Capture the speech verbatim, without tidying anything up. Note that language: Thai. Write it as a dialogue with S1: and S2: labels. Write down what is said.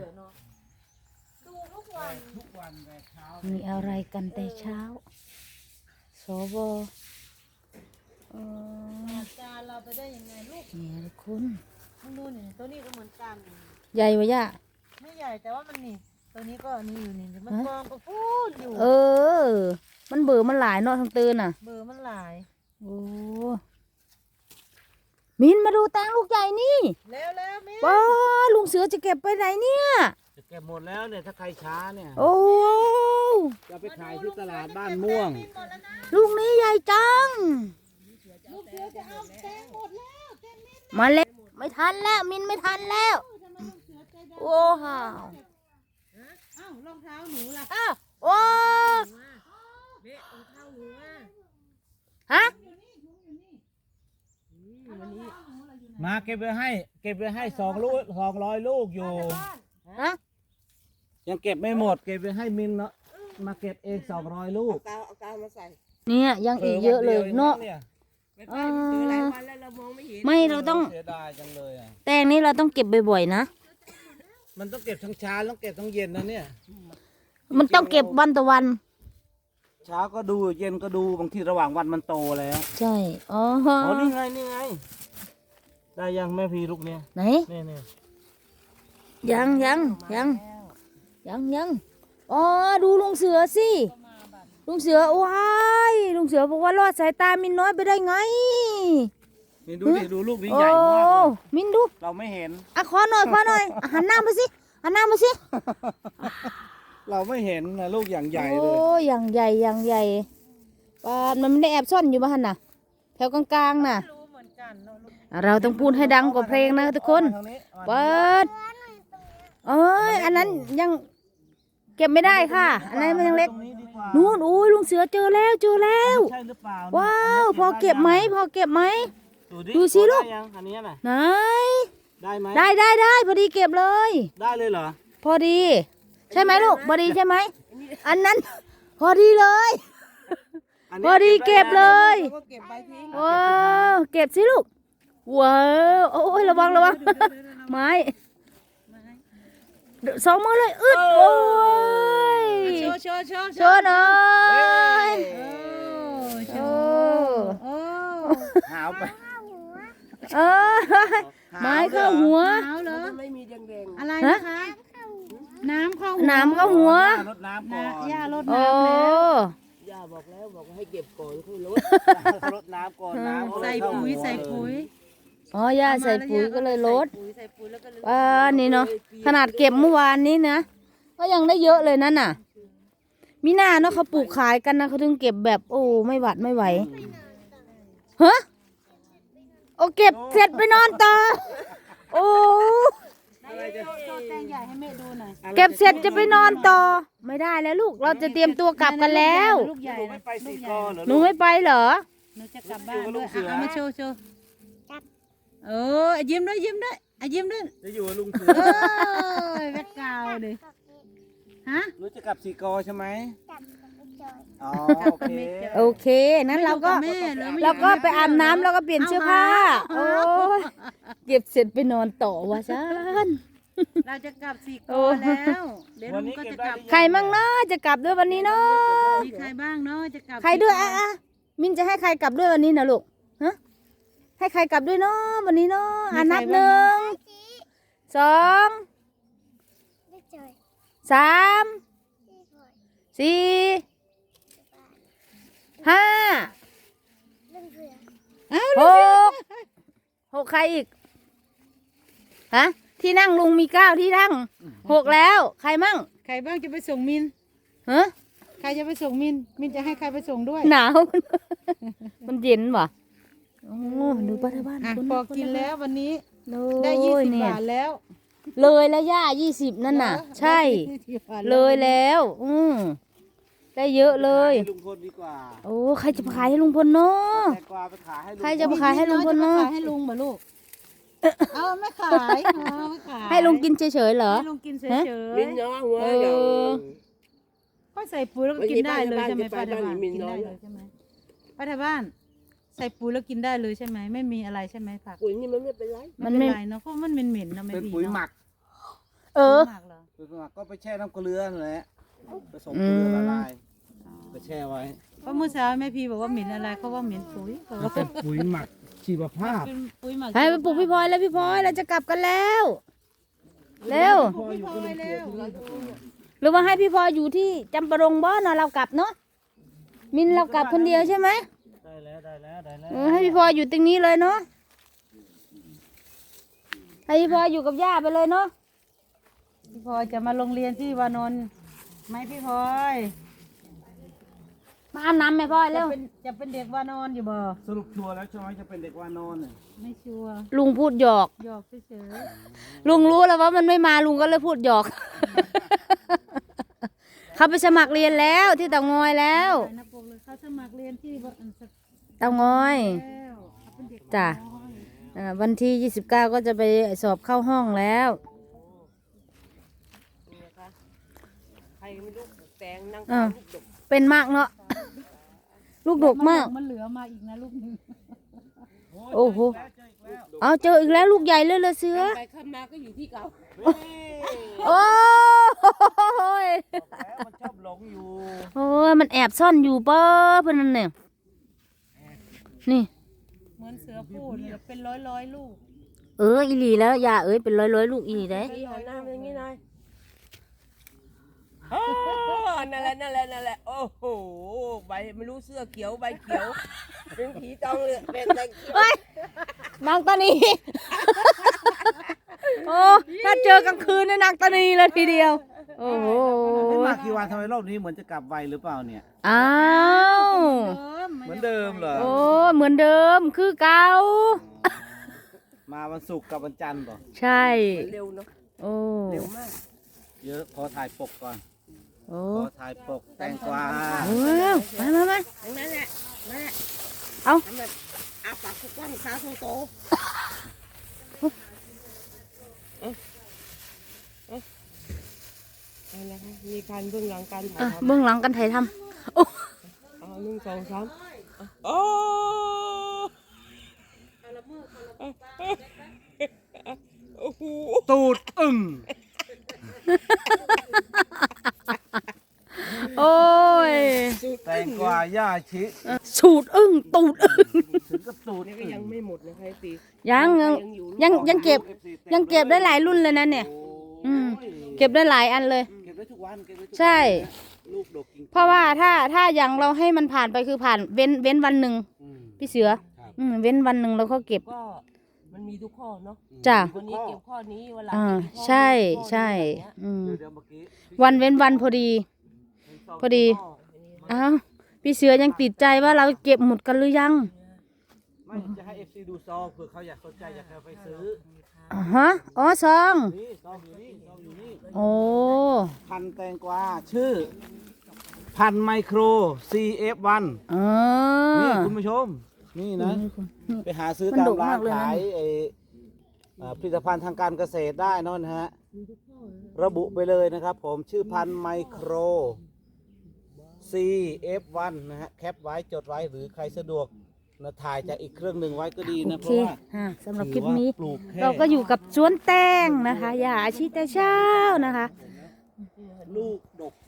S1: ดูทุกวันทุกวันแต่เช้า
S2: มีอะไรกันแต่เช้าสวเออ
S3: จานเราไปได้ยังไงลูก
S2: เนี่ยทุกคน
S3: มึงดูนี่ตัวนี้ก็เหมือนกัน
S2: ใหญ่วะย่า
S3: ไม่ใหญ่แต่ว่ามันนี่ตัวนี้ก็นี่อยู่นี่มันกองก็พูดอยู่
S2: เออ มันเบื่อมันหลายเนาะทั้งตื่นน่ะ
S3: เบอร์มันหลาย
S2: โอ้มินมาดูแตงลูกใหญ่นี่
S3: แล้วแล้วมิ้น
S2: ว้าลุงเสือจะเก็บไปไหนเนี่ย
S1: จะเก็บหมดแล้วเนี่ยถ้าใครช้าเนี่ย
S2: โอ้
S1: จะไปขายที่ตลาดบ้านม่วง
S2: ลูกนี้ใหญ่จัง
S3: ลูกเสือจะเอาแตงหมดแล้วแตงมิ้น
S2: มาเล็กไม่ทันแล้วมินไม่ทันแล้ว
S3: ทำไมลูกเสือใจดำ
S2: โอ้ห่าว
S3: อ้าวรองเท้าหนูล่ะ
S2: อ้าวโอ้
S3: เบ๊ะรองเท้าหนูอ่ะ
S2: ฮะ
S1: มาเก็บไว้ให้ เก็บไว้ให้สองลูกสองร้อยลูกอยู่
S2: ฮะ
S1: ยังเก็บไม่หมด เก็บไว้ให้มินเนาะมาเก็บเองสองร้อยลูก
S4: กาวเอากาวมาใส่
S2: เนี่ยยังอีกเยอะเลยเนาะ
S4: ไม่ไปมันซื้อหลายวันแล้วเรามองไม่เห็น
S2: ไม่เราต้อง
S1: เสียดายจังเลยอ่ะ
S2: แตงนี้เราต้องเก็บบ่อยๆนะ
S1: มันต้องเก็บทั้งเช้าต้องเก็บทั้งเย็นนะเนี่ย
S2: มันต้องเก็บวันต่อวัน
S1: เช้าก็ดูเย็นก็ดูบางทีระหว่างวันมันโตแล้ว
S2: ใช่อ๋อ
S1: อ๋อนี่ไงนี่ไง ได้ยังแม่พีลูกเนี่ย
S2: ไหน
S1: นี่นี่
S2: ยังยังยังยังยังอ๋อดูลุงเสือสิลุงเสือว้ายลุงเสือบอกว่ารอดสายตามินน้อยไปได้ไง
S1: นี่ดูดิดูลูกนี้
S2: โอ้
S1: ใหญ่มากเลย
S2: มินดู
S1: เราไม่เห็น
S2: อ่ะขอหน่อยขอหน่อยอ่ะหันหน้ามาสิหันหน้ามาสิ
S1: เราไม่เห็นนะลูกอย่างใหญ่เล
S2: โอ้
S1: ย
S2: อย่างใหญ่อย่างใหญ่ปานมันไม่ได้แอบซ่อนอยู่บ้านน่ะ แถวกลางๆน่ะ
S3: รู้เหมือนกันเนาะลูก
S2: อ่ะเราต้องพูดให้ดังกว่าเพลงนะทุกคน
S1: ทางนี้
S2: เปิดเอ้ยอันนั้นยังเก็บไม่ได้ค่ะ อันนั้นมันยังเล็ก
S1: ตรงนี้ดีกว่า
S2: นู่นอุ้ยลุงเสือเจอแล้วเจอแล้ว
S1: ใช่หรือเปล่า
S2: ว้าวพอเก็บไหมพอเก็บไหม ดูสิลูก
S1: ได้ยังอันนี้น่ะ
S2: ไหน
S1: ได้ไหม
S2: ได้ได้ได้พอดีเก็บเลย
S1: ได้เลยเหรอ
S2: พอดี ใช่ไหมลูกพอดีใช่ไหมอันนั้น พอดีเลย
S1: น
S2: พ
S1: นี้
S2: อดีเก็บเลย
S4: ก็เก็บใบทิ้ง
S2: ว้าวเก็บสิลูกว้าวโอ้ยระวังระวังไม้สองมือเลยอึดโอ้ย
S3: โชว์โชว์โชว์
S2: โชว์หน่อย
S3: โช
S2: โอ้
S3: ว์โอ้
S1: หาวไป
S2: เออไม้เข้าหัว
S3: หนาวเหรอ
S4: ไม่มีแดง
S3: อะไรนะคะ น้ำเข้า
S2: น้ำเข้าหัว
S1: รดน้ำก่อน
S3: ย่ารด
S2: โอ้
S3: น้ำแล้ว
S4: ๆย่าบอกแล้วบอกว่าให้เก็บก่อนค่อยลด
S1: รดน้ำก่อนน้ำ
S3: ใส่ปุ๋ยใส่ปุ๋ย
S2: อ๋อย่าใส่ปุ๋ยก็เลยลด
S3: ปุ๋ยใส่ปุ๋ยแล้วก็เลย
S2: อ่านี่เนาะขนาดเก็บเมื่อวานนี้นะก็ยังได้เยอะเลยนั่นน่ะมีหน้าเนาะเขาปลูกขายกันนะเขาถึงเก็บแบบโอ้ไม่หวัดไม่ไหวฮะโอ้เก็บเสร็จไปนอนต่อโอ้
S3: โชว์แตงใหญ่ให้แม่ดูหน่อย
S2: เก็บเสร็จจะไปนอนต่อไม่ได้แล้วลูกเราจะเตรียมตัวกลับกันแล้ว
S3: ลูกใหญ่
S1: หนูไม่ไปสี่กอเหรอ
S2: หนูไม่ไปเหรอ
S3: หนูจะกลับบ้านด้วยเอามาโชว์โชว์เออยิ้มด้วยยิ้มด้วยอ่ะยิ้มด้วย
S1: จะอยู่กับลุงเสือ
S3: เอ้ยแบ็คกราวด์ดิฮะ
S1: หนูจะกลับสี่กอใช่ไหมอ๋อโอเค
S2: โอเคนั้นเราก็
S3: แม่หรือไม่
S2: เราก็ไปอาบน้ำแล้วก็เปลี่ยนเสื้อผ้าโอ้ยเก็บเสร็จไปนอนต่อวะซัน
S3: เราจะกลับสี่ก
S2: โอ้
S3: อแล้วเดี๋ยวลุงก็จะกลับ
S2: ใครมั่งเนาะจะกลับด้วยวันนี้เนาะ
S3: มีใครบ้างเนาะจะกลับ
S2: ใครด้วยอ่ะอ่ะมินจะให้ใครกลับด้วยวันนี้นะลูกฮะให้ใครกลับด้วยเนาะวันนี้เนาะอ่ะนับหนึ่งสองสามสี่ห้าหกหกใครอีกฮะที่นั่งลุงมีเก้าที่นั่งหกแล้วใครมั่ง
S3: ใครบ้างจะไปส่งมิน
S2: ฮะ
S3: ใครจะไปส่งมินมินจะให้ใครไปส่งด้วย
S2: หนาว มันเย็นว่ะโอ้ดูป้าที่บ้าน
S3: อ่ะ
S2: คน
S3: พอ
S2: คน
S3: กินแล้ววันนี้
S2: โ
S3: ได้ยี่สิบ
S2: เนี่ย
S3: บาทแล้ว
S2: เลยแล้วย่ายี่สิบนั่นน่ะ ใช่
S3: ได้ยี่สิบบาท
S2: เลยแล้ว อืมได้เยอะเลย
S1: ให้ลุงพลดีกว่า
S2: โอ้ใครจะไปขายให้ลุงพลเนาะ
S1: แตงกวาไปขายให้ลุง
S2: ใครจะไปขายให้ลุงพลเนาะ
S3: จไปขายให้ลุงบ่ลูกเอาไม่ขายเอาไม่ขาย
S2: ให้ลุงกินเฉยๆเหรอ
S3: ให้ลุงกินเฉ
S2: ฮะ
S3: ย
S4: มินน้อยหัว
S2: เออ
S4: เดี๋ยว
S3: ๆก็ใส่ปุ๋ยแล้วก็กินได้เลยใช่ไหม
S4: ไป
S3: ป้า
S4: บ้าน
S3: ทบ้าน
S4: มี
S3: กิน
S4: น้อ
S3: ได้
S4: ย
S3: เลยใช่ไหมป้าทบ้าน ใส่ปุ๋ยแล้วกินได้เลยใช่ไหมไม่มีอะไรใช่ไหมผัก
S4: ปุ๋ยนี่มันไม่เป็นไร
S2: มั
S3: มัน น
S2: ไม่
S3: ไม่เป็นไรเนาะเพราะมันเหม็นๆเนาะไม่
S1: เป็น
S3: ดี
S1: ปุ๋ย
S3: เนาะ
S1: หมัก
S2: เออ
S3: ปุ๋ยหมักเหรอ
S1: คือสมัครก็ไปแช่น้ำเกลือนั่นแหละผสมเกลือละลายไปแช่ไว้
S3: เพราะเมื่อเช้าแม่พีบอกว่าเหม็นอะไรเขาว่าเหม็นปุ๋ยเขาว่า
S1: เป็นปุ๋ยหมักชีวภาพ
S3: เป็นปุ๋ยหมัก
S2: ให้ไปปลุกพี่พลอยแล้วพี่พลอยเราจะกลับกันแล้วเร็ว
S1: พออยู่ก็เลยเกลือที่นี่
S2: หรือว่าให้พี่พลอยอยู่ที่จำปารงบ่เนาะเรากลับเนาะมินเรากลับคนเดียวใช่ไหม
S1: ได้แล้วได้แล้วได้แล้ว
S2: เออให้พี่พลอยอยู่ตรงนี้เลยเนาะให้พี่พลอยอยู่กับย่าไปเลยเนาะ
S3: พี่พลอยจะมาโรงเรียนที่วานนท์ไหมพี่พลอย
S2: มาอาบน้ำไหมพลอยเร็
S3: จะ
S2: ว
S3: เป็นจะเป็นเด็กวานอนอยู่บ่
S1: สรุปชัวร์แล้วใช่ไหมจะเป็นเด็กวานอนเนี่ย
S3: ไม่ชัวร์
S2: ลุงพูดหยอก
S3: หยอกเฉย
S2: ลุงรู้แล้วว่ามันไม่มาลุงก็เลยพูดหยอก เขาไปสมัครเรียนแล้วที่เตางอยแล้ว
S3: ๆไปนะปกเลยเขาสมัครเรียนที่บ้านสัก
S2: เตางอย
S3: แล้วเขาเป็นเด็ก
S2: จ้ะอ่าวันที่ยี่สิบเก้าก็จะไปสอบเข้าห้องแล้ว
S4: ใครไม่รู้ปลูกแตงนั่ง
S2: อ่า
S4: ลูกดก
S2: เป็นมากเนาะ ลูกดกมาก
S3: มันเหลือมาอีกนะลูกหนึ่ง
S2: โอ้โห เอาเจออีกแล้วลูกใหญ่เลยเลยเสือ
S4: ไปข้ามมาก็อยู่ที่เก่า
S2: โอ้ย
S1: แล้วมันชอบหลงอยู่
S2: โอ้ยมันแอบซ่อนอยู่เป้อเพื่อนนั่นเนี่ยนี่
S3: เหมือนเสือพูดเลยเป็นร้อยร้อยๆลูก
S2: เอออีหลีแล้วอย่าเอ้ยเป็นร้อยร้อยๆลูกอีหลีได้
S4: พี่หันหน้ามาอย่างนี้หน่อยโอ้นั่นแหละนั่นแหละนั่นแหละโอ้โหใบไม่รู้เสื้อเขียวใบเขียวเป็นผีตองเลยเป็นแตงเขียว
S2: เฮ้ยนางตานี โอ้ถ้าเจอกลางคืนเนี่ยนางตานีเลยทีเดียว โอ้โห
S1: ไม่มากี่วันทำไมรอบนี้เหมือนจะกลับไวหรือเปล่าเนี่ย
S2: อ้าว
S1: เหมือนเดิมเหรอ
S2: โอ้เหมือนเดิมคือเก่า
S1: มาวันศุกร์กับวันจันทร์ป่ะ
S2: ใช่
S4: เร็วเนาะ
S2: โอ้
S4: เร็วมาก
S1: เยอะขอถ่ายปกก่อน
S2: โอ้
S1: ขอถ่ายปกแตงกวา
S2: โอ้มามามา
S4: ทั้งนั้นแหละนั่นแหละ
S2: เอา
S4: ทำแบบอาปากกว้างๆขาโตๆเอ๊ะเอ๊ะอะไรคะมีการเบื้องหลังการถ่าย
S2: อ่ะ
S4: ทำ
S2: เบื้องหลังกันไทยทำโอ้
S4: เอาหนึ่งสองสามโอ้โอ้โห
S1: ตูดอึ่ง
S2: โอ้ย
S1: แตงกวาย่าชิ
S2: สูดอึ้งตูดอึ้ง
S1: ถึงกับตูด
S4: นี่ก็ยังไม่หมดนะคะตี
S2: ยังยังยังยังเก็บ ยังเก็บได้หลายรุ่นเลยนะเนี่ย อืม เก็บได้หลายอันเลย
S1: เก็บได้ทุกวันเก็บได้ทุกวัน
S2: ใช่
S1: ลูกดกจริง
S2: เพราะว่าถ้าถ้าอย่างเราให้มันผ่านไปคือผ่านเว้นเว้นวันหนึ่ง
S1: อืม
S2: พี่เสือ
S1: ครับ
S2: อืมเว้นวันหนึ่งเราก็เก็บ
S4: ก็มันมีทุกข้อเนาะ
S2: จ้ะ
S4: วันนี้เก็บข้อนี้วันหลัง
S2: อ่า
S4: เก็บข้อนี้
S2: ใช่
S4: ข้อนี้
S2: ใช่
S4: อะไรเงี้ย
S2: อืม
S1: เดี๋ยวเดี๋ยวเมื่อกี้
S2: วันเว้นวันพอดี พอดี
S4: ข้ออันนี้
S2: อ้าวพี่เสือยังติดใจว่าเราเก็บหมดกันหรือยัง
S1: ไม่จะให้เอฟซีดูซองเผื่อเขาอยากสนใจอยากจะไปซื้อ
S2: อ๋อฮะอ๋อซอง
S1: นี่ซองอยู่นี่ซองอยู่นี่
S2: โอ้
S1: พันธุ์แตงกวาชื่อ พันธุ์ไมโคร ซี เอฟ วัน
S2: เอ
S1: นี่
S2: อ
S1: คุณผู้ชม นี่นะ ไปหาซื้อ
S2: มัน
S1: ตาม
S2: ดุ
S1: ร้าน
S2: มากเลยนะ
S1: ขายไอ้อ่าผลิตภัณฑ์ทางการเกษตรได้นั่นฮะ ระบุไปเลยนะครับผมชื่อพันธุ์ไมโคร ซี เอฟ วัน นะฮะ แคปไว้จดไว้หรือใครสะดวกนะถ่ายจากอีกเครื่องหนึ่งไว้ก็ดี
S2: โอ
S1: นะ เพ
S2: เค
S1: ราะว่า
S2: อ่ะสำหรับค
S1: ถื
S2: ลิ
S1: อ
S2: ป
S1: ว่า
S2: นี้
S1: ปลูกแค่
S2: เราก็อยู่กับสวนแตงนะคะ อย่าอาชีแต่เช้านะคะ
S1: ลูกดก